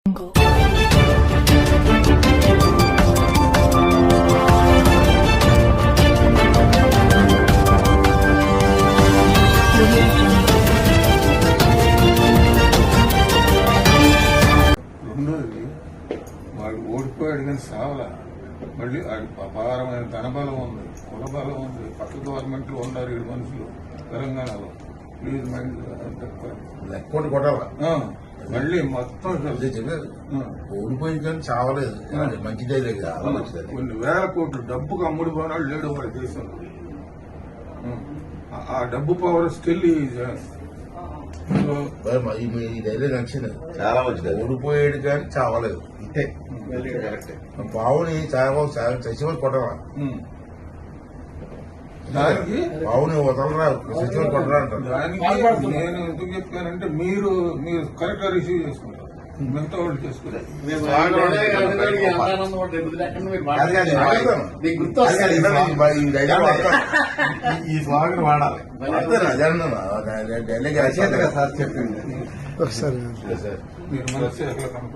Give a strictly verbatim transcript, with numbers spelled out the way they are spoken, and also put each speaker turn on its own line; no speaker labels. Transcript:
రెండోది వాడు ఓడిపోయాడు కానీ సావలా. మళ్ళీ వాడి అపారమైన ధనబలం ఉంది, కులబలం ఉంది. పక్క గవర్నమెంట్లు ఉన్నారు ఏడు మనుషులు తెలంగాణలో. ప్లీజ్ మైండ్
లెక్కోటి కొట్టాలా
మళ్ళీ మొత్తం
చెప్పారు. ఓడిపోయింది కానీ చావలేదు. మంచిదే లేదు, చాలా మంచిది.
కొన్ని వేల కోట్లు డబ్బుకు అమ్ముడు పోనాడు లేడు వాడి దేశంలో. ఆ డబ్బు పవర్ స్టిల్
ఈ ధైర్యం నచ్చింది,
చాలా మంచిది.
ఓడిపోయాడు కానీ చావలేదు. ఇంతే పావుని చావ చచ్చిపోయి కొట్టరా,
దానికి
పావుని వదలరా, చచ్చిపోయి కొట్టరా అంటారు.
దానికి నేను ఎందుకు చెప్పానంటే మీరు మీరు కరెక్ట్ గా రిసీవ్ చేసుకుంటారు, మిగతా వాళ్ళు చేసుకుంటారు.
ఈ స్వాగతం వాడాలి.
సార్ చెప్పింది
మీరు మనసు